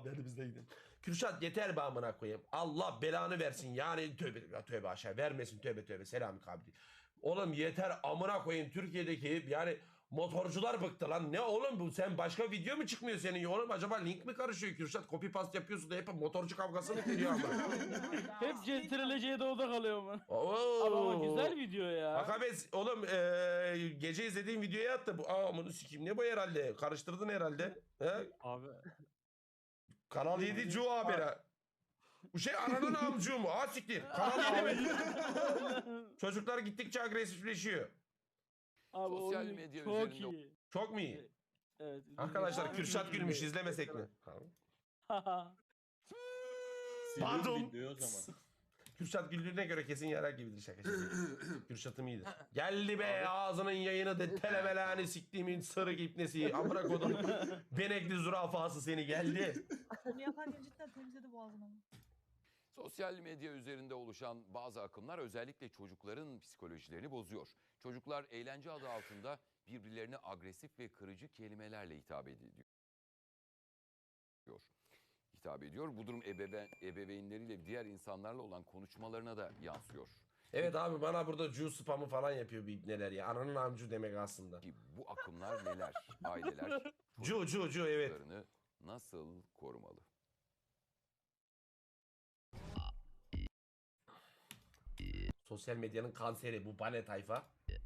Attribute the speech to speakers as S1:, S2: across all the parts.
S1: haberimizdeydi. Kürşat yeter be amına koyayım. Allah belanı versin yani tövbe tövbe aşağı vermesin tövbe tövbe selamü kabri. Oğlum yeter amına koyayım Türkiye'deki yani motorcular bıktı lan. Ne oğlum bu sen başka video mu çıkmıyor senin oğlum acaba link mi karışıyor Kürşat copy paste yapıyorsun da hep motorcu kavgası mı geliyor ama.
S2: Hep CTRL-C'de doğuda kalıyor mu?
S1: Oo.
S2: Ama güzel video ya.
S1: Akabes oğlum gece izlediğim videoya attı bu. Aa bunu sikeyim ne bu herhalde karıştırdın herhalde. He?
S2: Abi.
S1: Kanal 7 Cu haberi. Bu şey ananın amcuğu mu? Ha siktir. Kanal 7 mi? Çocuklar gittikçe agresifleşiyor.
S2: Abi
S3: Sosyal
S2: oyun
S3: medya
S2: çok
S3: üzerinde-
S2: iyi.
S1: Çok mu iyi?
S2: Evet.
S1: Arkadaşlar Kürşat gülmüş izlemesek mi? Pardon.
S4: Videoyu o zaman.
S1: Kürşat güldüğüne göre kesin yarar gibidir şaka şaka. Kürşat'ım iyidir. Geldi be ağzının yayını de telebelanı siktiğimin sarı ipnesi. Amına kodum. Benekli zürafası seni geldi.
S5: Bunu yaparken cidden temizledi boğazını.
S3: Sosyal medya üzerinde oluşan bazı akımlar özellikle çocukların psikolojilerini bozuyor. Çocuklar eğlence adı altında birbirlerine agresif ve kırıcı kelimelerle hitap ediyor. Bu durum ebeveynleriyle diğer insanlarla olan konuşmalarına da yansıyor.
S1: Evet abi bana burada Cu spamı falan yapıyor bir ibneler ya. Ananın amcu demek aslında.
S3: Ki bu akımlar neler? Aileler
S1: Cu evet.
S3: çocuklarını nasıl korumalı?
S1: Sosyal medyanın kanseri bu bane tayfa.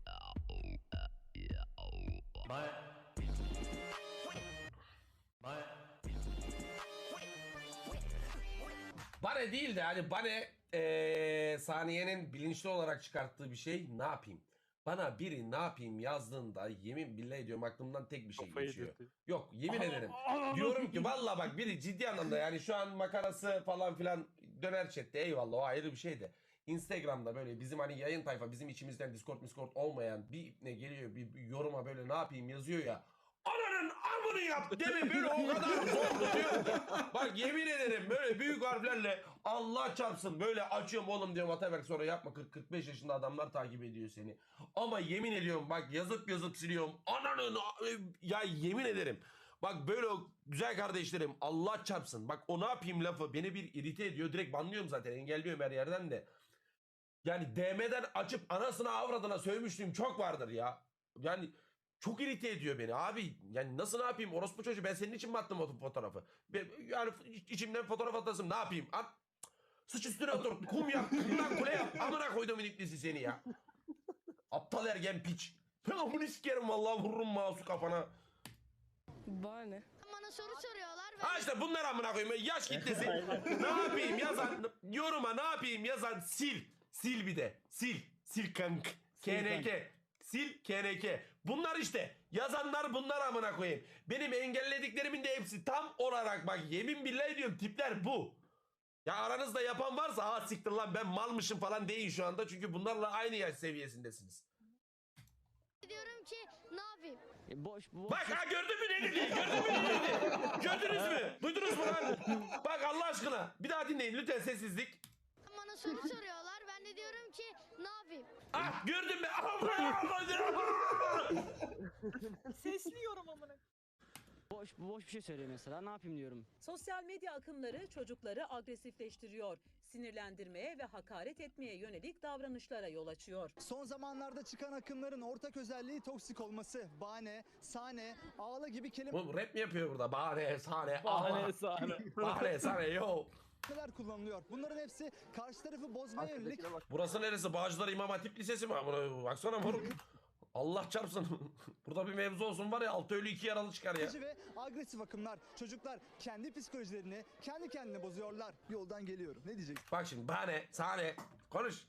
S1: Bane değil de hani Bane Saniye'nin bilinçli olarak çıkarttığı bir şey ne yapayım? Bana biri ne yapayım yazdığında yemin billahi ediyorum aklımdan tek bir şey geçiyor. Yok yemin ederim. Diyorum ki valla bak biri ciddi anlamda yani şu an makarası falan filan döner chatte eyvallah o ayrı bir şey de. Instagram'da böyle bizim hani yayın tayfa bizim içimizden Discord olmayan bir ne geliyor bir yoruma böyle ne yapayım yazıyor ya. Ananın amını yap deme böyle o kadar zor tutuyor ki. Bak yemin ederim böyle büyük harflerle Allah çarpsın böyle açıyorum oğlum diyorum Ataberk sonra yapma 40-45 yaşında adamlar takip ediyor seni. Ama yemin ediyorum bak yazıp siliyorum ananın ya yemin ederim. Bak böyle güzel kardeşlerim Allah çarpsın. Bak o ne yapayım lafı beni bir irite ediyor direkt banlıyorum zaten engelliyorum her yerden de. Yani DM'den açıp anasına avradına sövmüşlüğüm çok vardır ya. Yani çok irite ediyor beni abi. Yani nasıl ne yapayım orospu çocuğu ben senin için mi attım o fotoğrafı? Yani içimden fotoğraf atasım ne yapayım? At. Sıç üstüne otur. Kum yap. Kumdan kule yap. Amına koydum iniklisi seni ya. Aptal ergen piç. Ben amını sikerim vallahi vururum mouse'u kafana.
S6: Bana ne?
S7: Bana soru soruyorlar ve
S1: Ha işte bunlar amına koyayım. Yaş kitlesi. Ne yapayım yazan yoruma ne yapayım yazan sil. Sil bir de. Sil. Sil kank. KNK. Sil KNK. Bunlar işte. Yazanlar bunlar amına koyayım. Benim engellediklerimin de hepsi tam olarak bak yemin billahi diyorum tipler bu. Ya aranızda yapan varsa ha siktir lan ben malmışım falan deyin şu anda. Çünkü bunlarla aynı yaş seviyesindesiniz.
S7: diyorum ki ne yapayım?
S1: Bak ha gördün mü ne dedi? Gördün mü ne dedi? Gördünüz mü? Duydunuz mu lan? Bak Allah aşkına. Bir daha dinleyin lütfen sessizlik.
S7: Bana soru soruyorlar ben de diyorum ki ne yapayım?
S1: Ah gördün mü?
S5: Sesliyorum amına.
S8: Boş bir şey söylüyor mesela. Ne yapayım diyorum.
S9: Sosyal medya akımları çocukları agresifleştiriyor. Sinirlendirmeye ve hakaret etmeye yönelik davranışlara yol açıyor.
S10: Son zamanlarda çıkan akımların ortak özelliği toksik olması. Bahane, sahne, ağla gibi
S1: Bu rap mi yapıyor burada? Bahane, sahne,
S2: Bahane, sahne.
S1: Bahane, sahne, yo.
S10: kelimeler kullanılıyor. Bunların hepsi karşı tarafı bozmaya yönelik
S1: Burası neresi? Bağcılar İmam Hatip Lisesi mi? Baksana moruk. Allah çarpsın. Burada bir mevzu olsun var ya 6 ölü 2 yaralı çıkar ya.
S10: ve agresif akımlar. Çocuklar kendi psikolojilerini kendi kendine bozuyorlar. Yoldan geliyorum. Ne diyeceksin?
S1: Bak şimdi bahane, sahne. Konuş.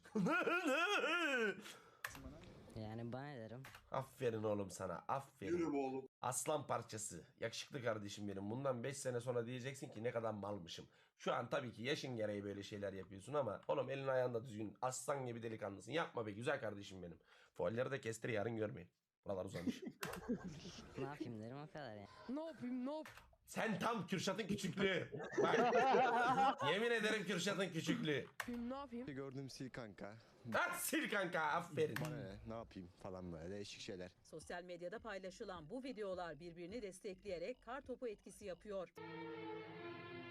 S8: Yani bana ne derim?
S1: Aferin oğlum sana. Aferin.
S4: Yürü be oğlum.
S1: Aslan parçası. Yakışıklı kardeşim benim. Bundan 5 sene sonra diyeceksin ki ne kadar malmışım. Şu an tabii ki yaşın gereği böyle şeyler yapıyorsun ama oğlum elin ayağında düzgün. Aslan gibi delikanlısın. Yapma be güzel kardeşim benim. Fualleri de kestir yarın görmeyin. Buralar uzamış.
S8: Ne yapayım derim o kadar ya.
S6: Ne yapayım?
S1: Sen tam Kürşat'ın küçüklüğü. Bak. Yemin ederim Kürşat'ın küçüklüğü.
S6: Ne yapayım?
S11: Gördüğüm sil kanka.
S1: Ha, sil kanka aferin.
S11: Bana ne yapayım falan böyle değişik şeyler.
S9: Sosyal medyada paylaşılan bu videolar birbirini destekleyerek kar topu etkisi yapıyor.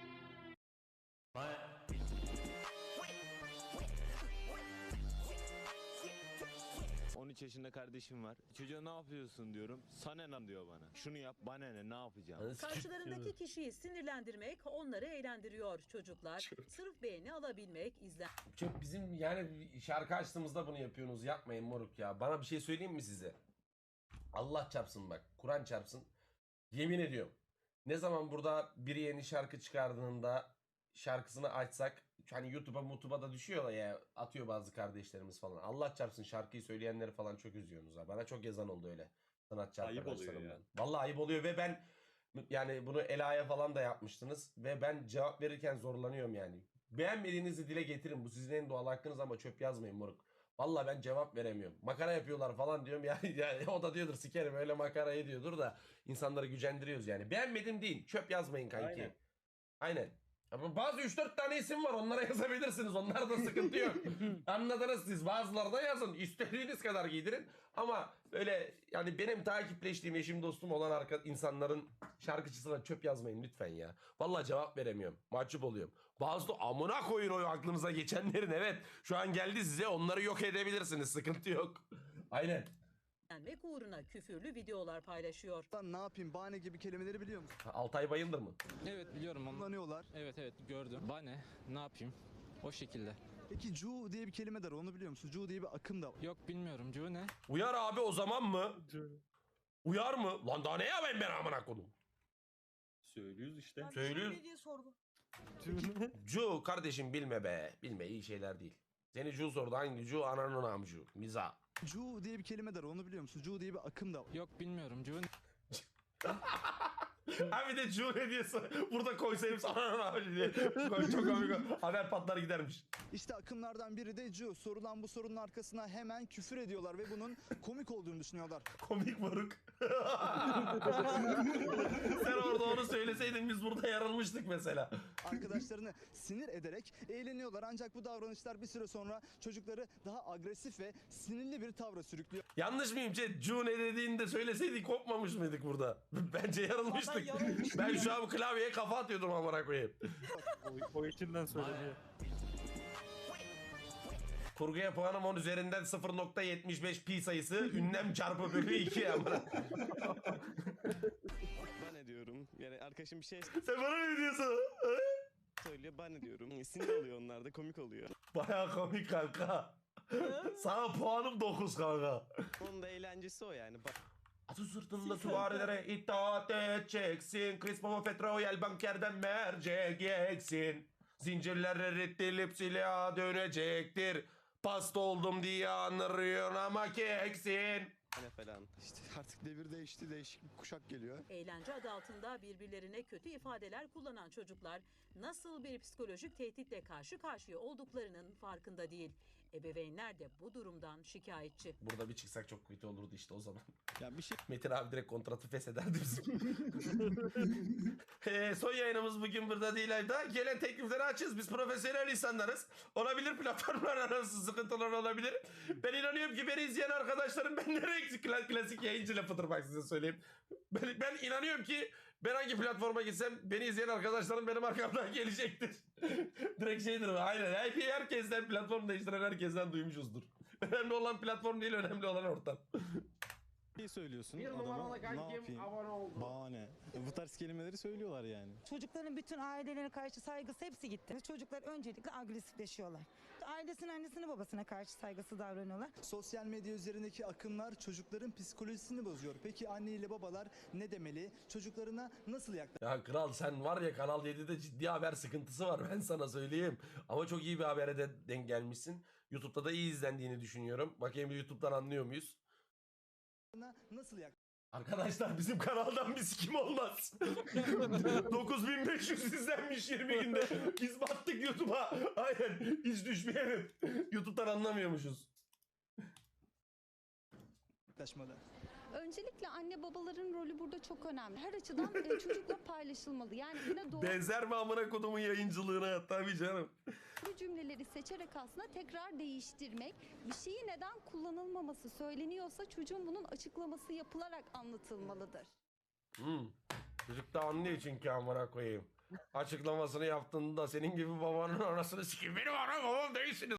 S4: 13 yaşında kardeşim var. Çocuğa ne yapıyorsun diyorum. Sana ne diyor bana. Şunu yap, bana ne yapacağım?
S9: Karşılarındaki kişiyi sinirlendirmek onları eğlendiriyor. Çocuklar sırf beğeni alabilmek,
S1: Çok bizim yani şarkı açtığımızda bunu yapıyorsunuz. Yapmayın moruk ya. Bana bir şey söyleyeyim mi size? Allah çarpsın bak. Kur'an çarpsın. Yemin ediyorum. Ne zaman burada biri yeni şarkı çıkardığında şarkısını açsak hani YouTube'a da düşüyor ya, atıyor bazı kardeşlerimiz falan. Allah çarpsın şarkıyı söyleyenleri falan çok üzüyorsunuz ha. Bana çok yazan oldu öyle. Sanatçı
S12: Ayıp oluyor
S1: arkadaşlarımdan.
S12: yani.
S1: Vallahi ayıp oluyor ve ben yani bunu Ela'ya falan da yapmıştınız ve ben cevap verirken zorlanıyorum yani. Beğenmediğinizi dile getirin. Bu sizin en doğal hakkınız ama çöp yazmayın moruk. Vallahi ben cevap veremiyorum. Makara yapıyorlar falan diyorum ya, o da diyordur sikerim öyle makarayı diyordur da insanları gücendiriyoruz yani. Beğenmedim değil. Çöp yazmayın kanki.
S12: Aynen.
S1: Aynen. Ama bazı 3-4 tane isim var, onlara yazabilirsiniz. Onlarda sıkıntı yok. Anladınız siz. Bazıları da yazın. İstediğiniz kadar giydirin. Ama öyle yani benim takipleştiğim eşim dostum olan insanların şarkıcısına çöp yazmayın lütfen ya. Vallahi cevap veremiyorum. Mahcup oluyorum. Bazı da amına koyun o aklınıza geçenlerin, evet. Şu an geldi size, onları yok edebilirsiniz. Sıkıntı yok. Aynen.
S9: sinirlenmek uğruna küfürlü videolar paylaşıyor.
S10: Lan ne yapayım bahane gibi kelimeleri biliyor musun?
S1: Altay Bayındır mı?
S4: Evet biliyorum ama.
S10: Kullanıyorlar.
S4: Evet gördüm. Bana ne yapayım? O şekilde.
S10: Peki cu diye bir kelime de var, onu biliyor musun? Cu diye bir akım da var.
S4: Yok bilmiyorum. Cu ne?
S1: Uyar abi o zaman mı? Uyar mı? Lan daha ne yapayım ben amına koyayım?
S12: Söylüyoruz işte.
S5: Ben
S1: Söylüyoruz.
S5: ne diye sordum.
S1: Cu kardeşim bilme be. Bilme iyi şeyler değil. Seni Cu sordu, hangi Cu? Ananın amcu. Miza.
S10: Cu diye bir kelime de var, onu biliyor musun? Cu diye bir akım da var.
S4: Yok bilmiyorum. Cu ne?
S1: Ha bir de Cu ne diye burada koysayım ananın amcu diye. Çok komik. Haber patlar gidermiş.
S10: İşte akımlardan biri de cu. Sorulan bu sorunun arkasına hemen küfür ediyorlar ve bunun komik olduğunu düşünüyorlar.
S1: Komik moruk. Sen orada onu söyleseydin biz burada yarılmıştık mesela.
S10: Arkadaşlarını sinir ederek eğleniyorlar. Ancak bu davranışlar bir süre sonra çocukları daha agresif ve sinirli bir tavra sürüklüyor.
S1: Yanlış mıyım chat? Cu ne dediğinde söyleseydik kopmamış mıydık burada? Bence yarılmıştık.
S5: Vallahi yarılmıştık
S1: Ben
S5: ya.
S1: şu an klavyeye kafa atıyordum amına koyayım.
S2: O içinden söyleniyor.
S1: Kurguya puanım 10 üzerinden 0.75 pi sayısı. Ünlem çarpı bölü 2 amına.
S4: Bana diyorum. Yani arkadaşım bir şey
S1: Sen bana ne diyorsun?
S4: söylüyor. Bana diyorum. Sinir oluyor onlar da komik oluyor.
S1: Baya komik kanka. Sana puanım 9 kanka.
S4: Onun da eğlencesi o yani.
S1: Atı sırtında süvarilere itaat edeceksin. Crispo Petroyel bankerden mercek yeksin. Zincirler erittilip silaha dönecektir. Pasta oldum diye anırıyorsun ama keksin.
S4: Ne falan.
S11: İşte artık devir değişti, değişik bir kuşak geliyor.
S9: Eğlence adı altında birbirlerine kötü ifadeler kullanan çocuklar nasıl bir psikolojik tehditle karşı karşıya olduklarının farkında değil. Ebeveynler de bu durumdan şikayetçi.
S1: Burada bir çıksak çok kötü olurdu işte o zaman.
S11: Ya bir şey
S1: Metin abi direkt kontratı feshederdi bizim. Son yayınımız bugün burada değil ayda. Gelen teklifleri açız. Biz profesyonel insanlarız. Olabilir platformlar arası sıkıntılar olabilir. Ben inanıyorum ki beni izleyen arkadaşlarım ben nereye klasik yayıncı lafıdır bak size söyleyeyim. Ben inanıyorum ki ben hangi platforma gitsem beni izleyen arkadaşlarım benim arkamdan gelecektir. Direkt şeydir bu. Aynen. Herkesten platform değiştiren herkesten duymuşuzdur. Önemli olan platform değil, önemli olan ortam.
S4: şey söylüyorsun adama. Ne yapayım? Bahane. Bu tarz kelimeleri söylüyorlar yani.
S5: Çocukların bütün ailelerine karşı saygısı hepsi gitti. Çocuklar öncelikle agresifleşiyorlar. Ailesine, annesine, babasına karşı saygısı davranıyorlar.
S10: Sosyal medya üzerindeki akımlar çocukların psikolojisini bozuyor. Peki anne ile babalar ne demeli? Çocuklarına nasıl
S1: Ya kral sen var ya Kanal 7'de ciddi haber sıkıntısı var ben sana söyleyeyim. Ama çok iyi bir habere de denk gelmişsin. YouTube'da da iyi izlendiğini düşünüyorum. Bakayım bir YouTube'dan anlıyor muyuz?
S10: nasıl
S1: Arkadaşlar bizim kanaldan bir sikim olmaz. 9500 izlenmiş 20 günde. Biz battık YouTube'a. Aynen hiç düşmeyelim. YouTube'dan anlamıyormuşuz.
S10: yaklaşmalı?
S7: Öncelikle anne babaların rolü burada çok önemli. Her açıdan çocukla paylaşılmalı. Yani yine doğru
S1: Benzer mi amına kodumun yayıncılığına? Tabii canım.
S7: cümleleri seçerek aslında tekrar değiştirmek. Bir şeyi neden kullanılmaması söyleniyorsa çocuğun bunun açıklaması yapılarak anlatılmalıdır.
S1: Çocuk da anlıyor çünkü amına koyayım. Açıklamasını yaptığında senin gibi babanın anasını sikeyim. Benim anam babam değilsiniz.